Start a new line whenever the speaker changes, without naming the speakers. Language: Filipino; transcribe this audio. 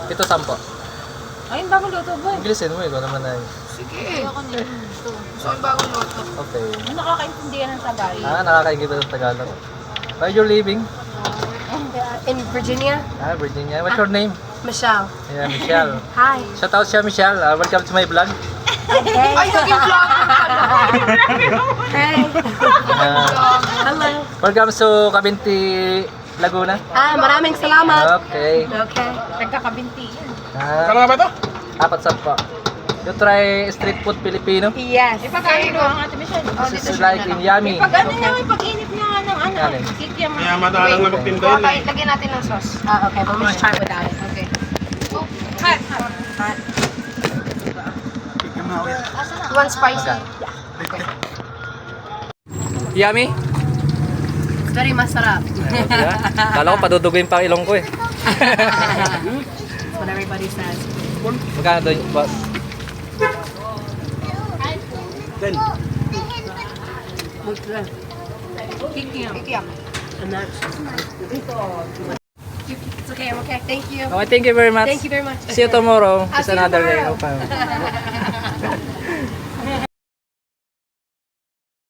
Ito 10.
Ay, yung bagong luto boy.
Inglesin mo, ikaw naman ay.
Sige. Ayoko nito. So, yung bagong luto.
Okay.
Nakakaintindihan ng Tagalog.
Nakakaingit ng Tagalog. Where you're living?
In Virginia,
Virginia. What's your name?
Michelle.
Yeah, Michelle.
Hi.
Shout out siya, Michelle. Welcome to my vlog.
Ay, naging vlog. Hey. Hello.
Welcome to Cabinti, Laguna.
Maraming salamat.
Okay.
Okay. Nagkakabinti yan.
Kano nga ba ito?
4-10. You try street food Filipino?
Yes. Ipag-ano ko ang ate Michelle.
This is like in Yummy.
Ipag-ano niya, ipag-init niya nga ng ano.
Alin?
Kikiam.
Kaya madalang na magtinda yun eh.
Lagyan natin ng sauce. Okay. We'll just try without it. Okay. Hot. Hot. One spicy.
Okay. Yummy?
It's very masarap.
Diba? Kala ko paduduguin pa ang ilong ko eh.
That's what everybody says.
Magkano doon, boss?
10.
Kikiam. Kikiam. And that's... It's okay, I'm okay. Thank you.
Okay, thank you very much.
Thank you very much.
See you tomorrow.
I'll
It's
see you
another day.
tomorrow.
Okay.